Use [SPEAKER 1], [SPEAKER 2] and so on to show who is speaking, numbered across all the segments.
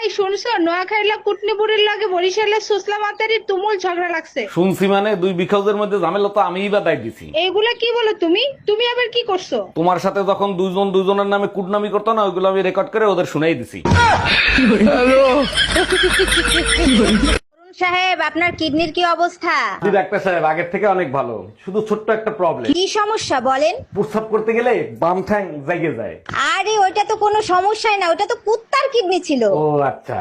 [SPEAKER 1] শুনছো নোয়াখাইলা কুটনিপুরের লাগে বরিশালের সুসলা মাতারির তুমুল ঝগড়া লাগছে।
[SPEAKER 2] শুনছি মানে 2 বিঘাউজের মধ্যে ঝামেলা তো আমিই বাদাই দিছি।
[SPEAKER 1] এইগুলা কি বলো তুমি? তুমি আবার কি করছো?
[SPEAKER 2] তোমার সাথে যখন দুজন দুজনের নামে কুটনামি করতো না, ওইগুলো আমি রেকর্ড করে ওদের শুনাই দিছি।
[SPEAKER 3] সাহেব, আপনার কিডনির কি অবস্থা?
[SPEAKER 2] জি ডাক্তার সাহেব, আগের থেকে অনেক ভালো, শুধু ছোট্ট একটা প্রবলেম।
[SPEAKER 3] কি সমস্যা বলেন?
[SPEAKER 2] প্রস্রাব করতে গেলে বাম ঠ্যাং জাগে যায়।
[SPEAKER 3] আরে ওইটা তো কোনো সমস্যাই না, ওটা তো কুত্তার কিডনি ছিল।
[SPEAKER 2] ও আচ্ছা।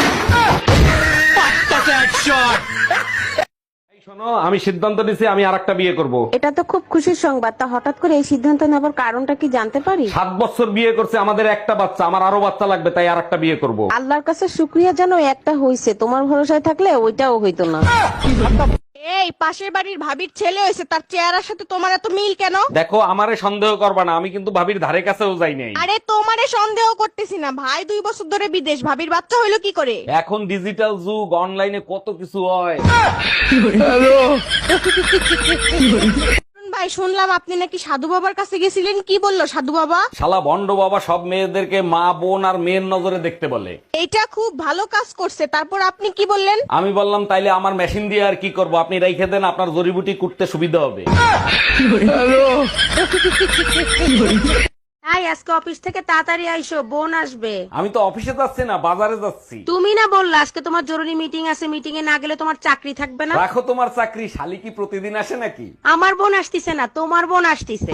[SPEAKER 2] এই শোনো, আমি সিদ্ধান্ত নিছি আমি আরেকটা বিয়ে করব।
[SPEAKER 4] এটা তো খুব খুশির সংবাদ। তা হঠাৎ করে এই সিদ্ধান্ত নেবার কারণটা কি জানতে পারি?
[SPEAKER 2] 7 বছর বিয়ে করছে, আমাদের একটা বাচ্চা, আমার আরো বাচ্চা লাগবে, তাই আরেকটা বিয়ে করব।
[SPEAKER 4] আল্লাহর কাছে শুক্রিয়া জানো একটা হইছে, তোমার ভরসায় থাকলে ওইটাও হইতো না।
[SPEAKER 5] এই পাশের বাড়ির ভাবির ছেলে হয়েছে, তার চেহারার সাথে তোমার এত মিল কেন?
[SPEAKER 2] দেখো, আমারে সন্দেহ করবা না, আমি কিন্তু ভাবির ধারে কাছেও যাই নাই।
[SPEAKER 5] আরে তোমারে সন্দেহ করতেছি না, ভাই 2 বছর ধরে বিদেশ, ভাবির বাচ্চা হইলো কি করে?
[SPEAKER 2] এখন ডিজিটাল যুগ, অনলাইনে কত কিছু হয়।
[SPEAKER 5] ভাই শুনলাম আপনি নাকি সাধু বাবার কাছে গেছিলেন, কি বললো সাধু বাবা?
[SPEAKER 2] শালা ভন্ড বাবা সব মেয়েদেরকে মা বোন আর মেয়ের নজরে দেখতে বলে।
[SPEAKER 5] এইটা খুব ভালো কাজ করছে, তারপর আপনি কি বললেন?
[SPEAKER 2] আমি বললাম তাইলে আমার মেশিন দিয়ে আর কি করব, আপনি রাইখে দেন, আপনার জড়িবুটি কুটতে সুবিধা হবে।
[SPEAKER 4] তাই আজকে অফিস থেকে তাড়াতাড়ি আইসো, বোন আসবে।
[SPEAKER 2] আমি তো অফিসে যাচ্ছি না, বাজারে যাচ্ছি।
[SPEAKER 4] তুমি না বললা আজকে তোমার জরুরি মিটিং আছে, মিটিং এ না গেলে তোমার চাকরি থাকবে না?
[SPEAKER 2] রাখো তোমার চাকরি, শালি কি প্রতিদিন আসে নাকি?
[SPEAKER 4] আমার বোন আসতিছে না, তোমার বোন আসতিছে।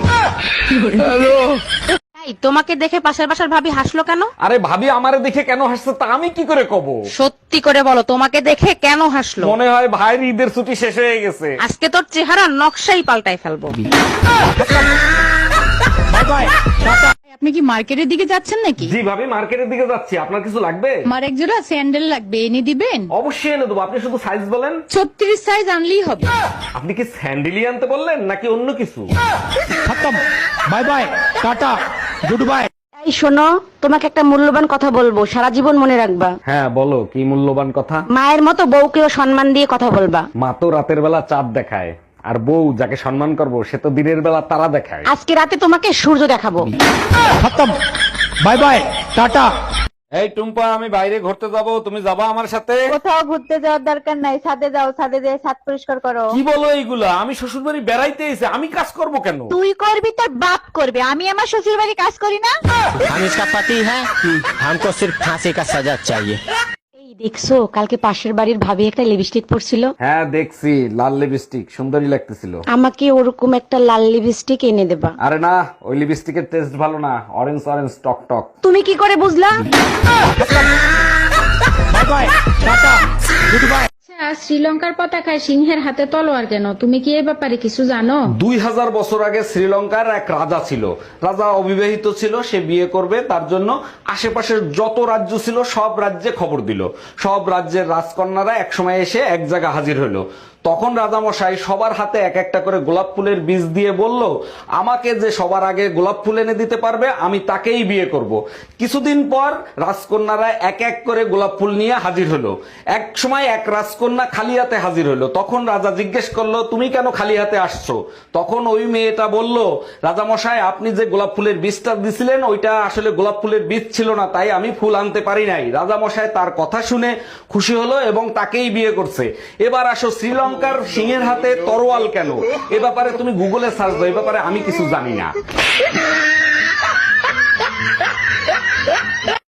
[SPEAKER 4] তাই তোমাকে দেখে পাশের বাসার ভাবি হাসলো কেন?
[SPEAKER 2] আরে ভাবি আমারে দেখে কেন হাসছে তা আমি কি করে কব?
[SPEAKER 4] সত্যি করে বলো, তোমাকে দেখে কেন হাসলো?
[SPEAKER 2] মনে হয় ভাইয়ের ঈদের ছুটি শেষ হয়ে গেছে।
[SPEAKER 4] আজকে তোর চেহারা নকশাই পাল্টাই ফেলবো।
[SPEAKER 6] আপনি কি মার্কেটের দিকে যাচ্ছেন নাকি?
[SPEAKER 2] জি ভাবি, মার্কেটের দিকে যাচ্ছি, আপনার কিছু লাগবে?
[SPEAKER 6] আমার এক জোড়া স্যান্ডেল লাগবে, এনে দিবেন?
[SPEAKER 2] অবশ্যই এনে দেবো, আপনি শুধু সাইজ বলেন।
[SPEAKER 6] 36 সাইজ আনলেই হবে।
[SPEAKER 2] আপনি কি স্যান্ডেলি আনতে বললেন নাকি অন্য কিছু?
[SPEAKER 7] Bye bye, tata, good bye.
[SPEAKER 4] এই শোনো, তোমাকে একটা মূল্যবান কথা বলবো, সারা জীবন মনে রাখবা।
[SPEAKER 2] হ্যাঁ বলো, কি মূল্যবান কথা?
[SPEAKER 4] মায়ের মতো বউকেও সম্মান দিয়ে কথা বলবা।
[SPEAKER 2] মা তো রাতের বেলা চাঁদ দেখায়, আর বউ যাকে সম্মান করবো সে তো দিনের বেলা তারা দেখায়।
[SPEAKER 4] আজকে রাতে তোমাকে সূর্য দেখাবো।
[SPEAKER 7] খতম, বাই বাই, টাটা।
[SPEAKER 2] এই টুম্পা, আমি বাইরে ঘুরতে যাব, তুমি যাবা আমার সাথে?
[SPEAKER 8] কোথাও ঘুরতে যাওয়ার দরকার নাই, ছাদে যাও, ছাদে যেয়ে ছাদ পরিষ্কার করো।
[SPEAKER 2] কি বলো এইগুলা? আমি শ্বশুর বাড়ি বেড়াইতে এসে আমি কাজ করব কেন?
[SPEAKER 8] তুই করবি, তোর বাপ করবে, আমি আমার শ্বশুর বাড়ি কাজ করি না।
[SPEAKER 7] हम इसका पति है, हमको सिर्फ फांसी का सजा चाहिए।
[SPEAKER 4] এই দেখছো, কালকে পাশের বাড়ির ভাবি একটা লিপস্টিক পরছিল।
[SPEAKER 2] হ্যাঁ দেখছি, লাল লিপস্টিক, সুন্দরী লাগতেছিল।
[SPEAKER 4] আমাকে ওরকম একটা লাল লিপস্টিক এনে দেবা।
[SPEAKER 2] আরে না, ওই লিপস্টিকের টেস্ট ভালো না, অরেঞ্জ অরেঞ্জ টক টক।
[SPEAKER 4] তুমি কি করে বুঝলা?
[SPEAKER 7] Bye bye, tata, good bye.
[SPEAKER 6] শ্রীলঙ্কার পতাকায় সিংহের হাতে তলোয়ার কেন? তুমি কি এই ব্যাপারে কিছু জানো?
[SPEAKER 2] 2000 বছর আগে শ্রীলঙ্কার এক রাজা ছিল। রাজা অবিবাহিত ছিল, সে বিয়ে করবে, তার জন্য আশেপাশের যত রাজ্য ছিল সব রাজ্যে খবর দিল। সব রাজ্যের রাজকন্যারা একসময় এসে এক জায়গা হাজির হলো। তখন রাজামশাই সবার হাতে এক একটা করে গোলাপ ফুলের বীজ দিয়ে বলল, আমাকে যে সবার আগে গোলাপ ফুল এনে দিতে পারবে আমি তাকেই বিয়ে করব। কিছুদিন পর রাজকন্যারা এক এক করে গোলাপ ফুল নিয়ে হাজির হলো। এক সময় এক রাজকন্যা খালি হাতে হাজির হলো। তখন রাজা জিজ্ঞেস করলো, তুমি কেন খালি হাতে আসছো? তখন ওই মেয়েটা বলল, রাজামশাই আপনি যে গোলাপ ফুলের বীজটা দিছিলেন ওইটা আসলে গোলাপ ফুলের বীজ ছিল না, তাই আমি ফুল আনতে পারি নাই। রাজামশাই তার কথা শুনে খুশি হলো এবং তাকেই বিয়ে করছে। এবার আসো, শ্রীলঙ্কার সিংহের হাতে তরোয়াল কেন? এ ব্যাপারে তুমি গুগলে সার্চ দাও, এ ব্যাপারে আমি কিছু জানি না।